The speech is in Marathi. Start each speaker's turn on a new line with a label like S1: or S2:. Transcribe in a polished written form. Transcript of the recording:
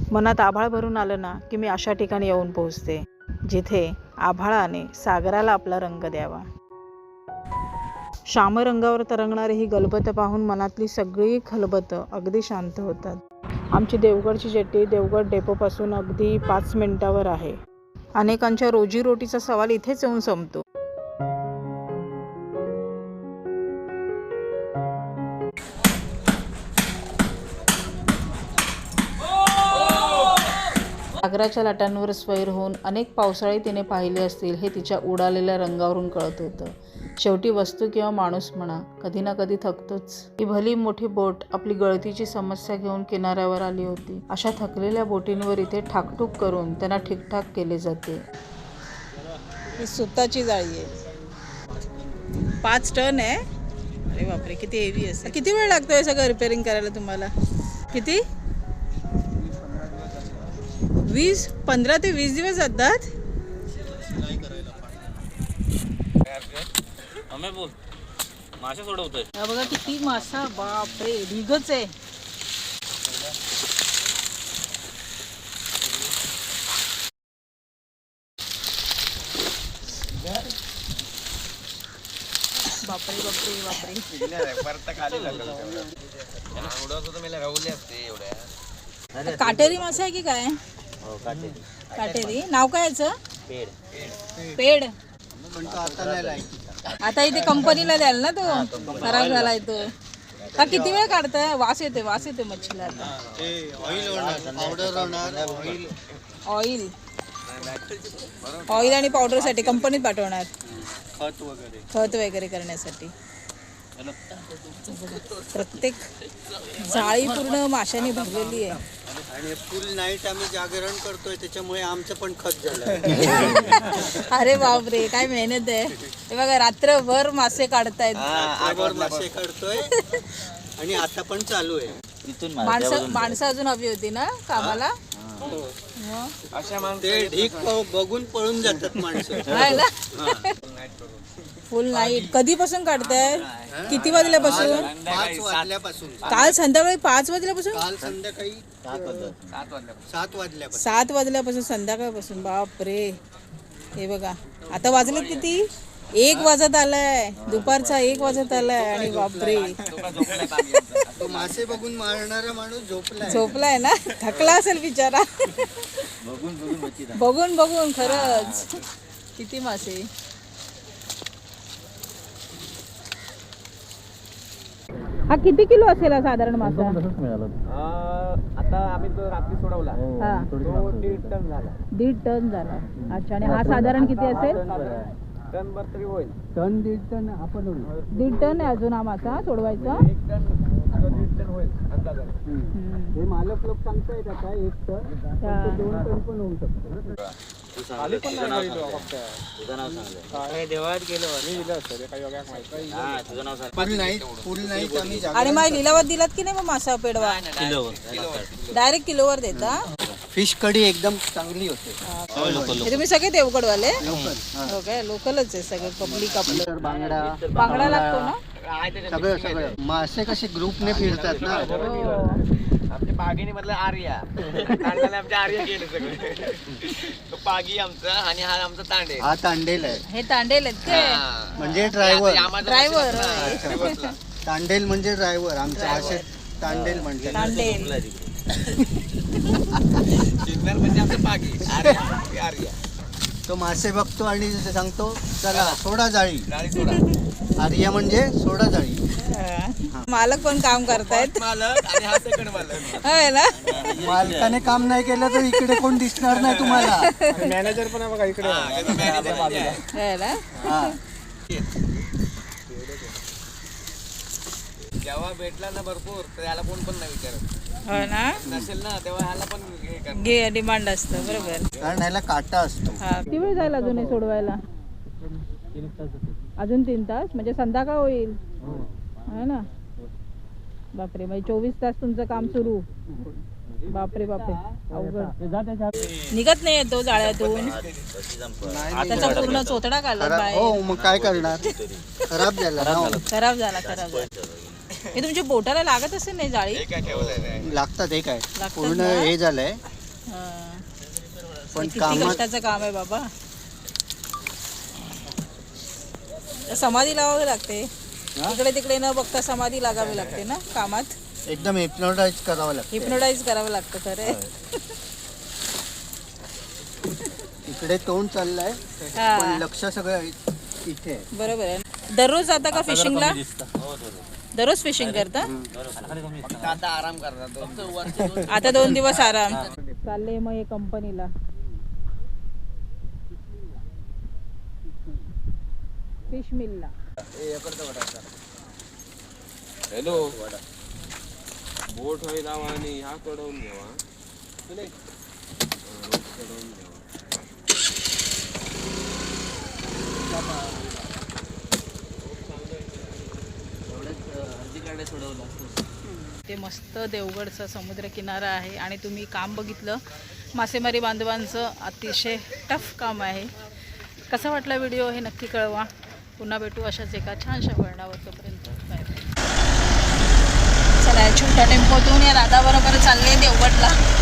S1: मनात आभाळ भरून आलं ना की मी अशा ठिकाणी येऊन पोहोचते जिथे आभाळाने सागराला आपला रंग द्यावा. श्यामरंगावर तरंगणारी ही गलबत पाहून मनातली सगळी खलबत अगदी शांत होतात. आमची देवगडची जेट्टी देवगड डेपोपासून अगदी 5 मिनिटावर आहे. अनेकांच्या रोजीरोटीचा सवाल इथेच येऊन संपतो. सागराच्या लाटांवर स्वैर होऊन अनेक पावसाळे तिने पाहिले असतील हे तिच्या उडालेल्या रंगावरून कळत होतं. शेवटी वस्तू किंवा माणूस म्हणा कधी ना कधी थकतोच. ही भली मोठी बोट आपली गळतीची समस्या घेऊन किनाऱ्यावर आली होती. अशा थकलेल्या बोटींवर इथे ठाकठूक करून त्यांना ठीकठाक केले जाते. ही सुताची जाळी आहे. 5 टन आहे. अरे बापरे, किती हेवी असेल. किती वेळ लागतो हे सगळं रिपेअरिंग करायला तुम्हाला? किती? 15 ते 20 दिवस जातात.
S2: मासे सोडवतोय
S1: बघा किती मासा, बापरे, ढिगच आहे. बापरे बापरे बापरे. काटेरी मासा आहे की काय? काटेरी. नाव काय याचं? पेड. आता इथे कंपनीला द्याल ना, तो खराब झालाय तो. हा किती वेळ काढताय? वास येते मच्छीला. ऑइल आणि पावडर साठी कंपनीत पाठवणार, खत वगैरे करण्यासाठी. प्रत्येक जाळी पूर्ण माशाने भरलेली आहे.
S3: आणि फुल नाईट आम्ही जागरण करतोय, त्याच्यामुळे आमचं पण खत झालं.
S1: अरे बापरे, काय मेहनत आहे. हे बघा, रात्रभर मासे काढतायत.
S3: मासे काढतोय आणि आता पण चालू आहे.
S1: माणसं अजून हवी होती ना कामाला.
S3: ते ढीक बघून पळून जातात माणसं.
S1: Full night. कधीपासून काढताय? किती वाजल्यापासून?
S3: 5 वाजल्यापासून.
S1: काल संध्याकाळी 5 वाजल्यापासून?
S3: काल संध्याकाळी
S1: 7 वाजल्यापासून संध्याकाळपासून. बापरे. हे बघा, आता वाजले किती? 1 वाजत आलाय. दुपारचा 1 वाजत आलाय. आणि बापरे,
S3: तो मासे बघून मारणारा माणूस
S1: झोपलाय ना. थकला असेल बिचारा. बघून बघून खरंच. किती मासे. हा किती किलो असेल साधारण मासा?
S2: आता आम्ही तो रात्री सोडवला.
S1: हा,
S2: तो 1.5 टन झाला.
S1: 1.5 टन झाला. अच्छा. आणि हा साधारण किती असेल?
S2: टन भर तरी होईल.
S3: 1.5 टन आपण
S1: 1.5 टन आहे अजून हा मासा सोडवायचा.
S2: 1 टन 1.5 टन होईल अंदाजाने.
S3: हे मालक लोक सांगतायत आता 1 टन 2 टन पण होऊ शकतो.
S2: देवळात गेलो
S3: फुल नाईट आम्ही
S1: आणि मग लिलावात दिलात की नाही मग मासा पेडवा? डायरेक्ट किलोवर देता?
S3: फिश कढी एकदम चांगली होते.
S1: हे तुम्ही सगळे देवगडवाले? हो काय, लोकलच आहे सगळं. पब्लिक आपलं. बांगडा लागतो ना
S3: सगळं. मासे कसे ग्रुपने फिरतात ना.
S2: आमच्या पागीने मधलं आर्या आमच्या आर्या गेले सगळे. तो पागी आमचा आणि हा आमचा तांडेल.
S3: हा तांडेल आहे.
S1: हे तांडेल आहेत ते
S3: म्हणजे ड्रायव्हर. तांडेल म्हणजे ड्रायव्हर आमचा. असे तांडेल म्हणतात.
S1: तांडेल
S2: म्हणजे आमचा पागी आर्या.
S3: तो मासे बघतो आणि सांगतो चला सोडा जाळी. आर्या म्हणजे सोडा जाळी.
S1: मालक पण काम करतायत.
S2: मालक आणि हा सेकंड मालक.
S1: होय ना.
S3: मालकाने काम नाही केलं तर इकडे कोण दिसणार नाही तुम्हाला.
S2: मॅनेजर पण आहे बघा इकडे.
S1: होय ना.
S2: जेव्हा भेटला ना भरपूर तर याला कोण पण नाही विचारत.
S1: हो ना.
S2: नसेल ना तेव्हा ह्याला पण
S1: घे डिमांड असतं. बरोबर.
S3: कारण ह्याला काटा असतो.
S1: किती वेळ जाईल अजून हे सोडवायला? अजून 3 तास म्हणजे संध्याकाळ होईल. है ना. बापरे, म्हणजे 24 तास तुमचं काम सुरू. बापरे बापरे, अवघड. निघत नाही येतो जाळ्यातून. त्याचा पूर्ण चोथडा काढला बाहेर.
S3: हो, मग काय करणार. खराब झाला.
S1: हे तुमच्या बोटाला लागत असेल नाही जाळी?
S3: लागतात. हे काय पूर्ण हे झालंय.
S1: हां.
S3: पण
S1: किती
S3: कामात
S1: कष्टाचं काम आहे बाबा. समाधी लावावी लागते.
S3: हा?
S1: इकडे तिकडे न बघता समाधी लागावी लागते ना कामात.
S3: एकदम हिप्नोटाईज करावं लागतं.
S1: हिप्नोटाईज करावं लागतं खरे.
S3: इकडे तोंड चाललंय
S1: हा.
S3: पण लक्ष सगळं इथे आहे.
S1: बरोबर आहे. दररोज जाता का फिशिंगला? दररोज फिशिंग करता?
S2: फक्त आता आराम करतात.
S1: आता 2 दिवस आराम. चालले मग हे कंपनीला. फिश मिलला.
S4: हॅलो बोट होई लावा आणि ह्या कडवून घ्यावा कडवून घ्यावा.
S1: ते मस्त देवगडचा समुद्र किनारा आहे आणि तुम्ही काम बघितलं. मासेमारी बांधवांचं अतिशय टफ काम आहे. कसा वाटला व्हिडिओ हे नक्की कळवा. पुन्हा भेटू अशाच एका छानशा वळणावर. तोपर्यंत बाय. चला छोट्या टेम्पोतून या दादाबरोबर चालले देवगडला.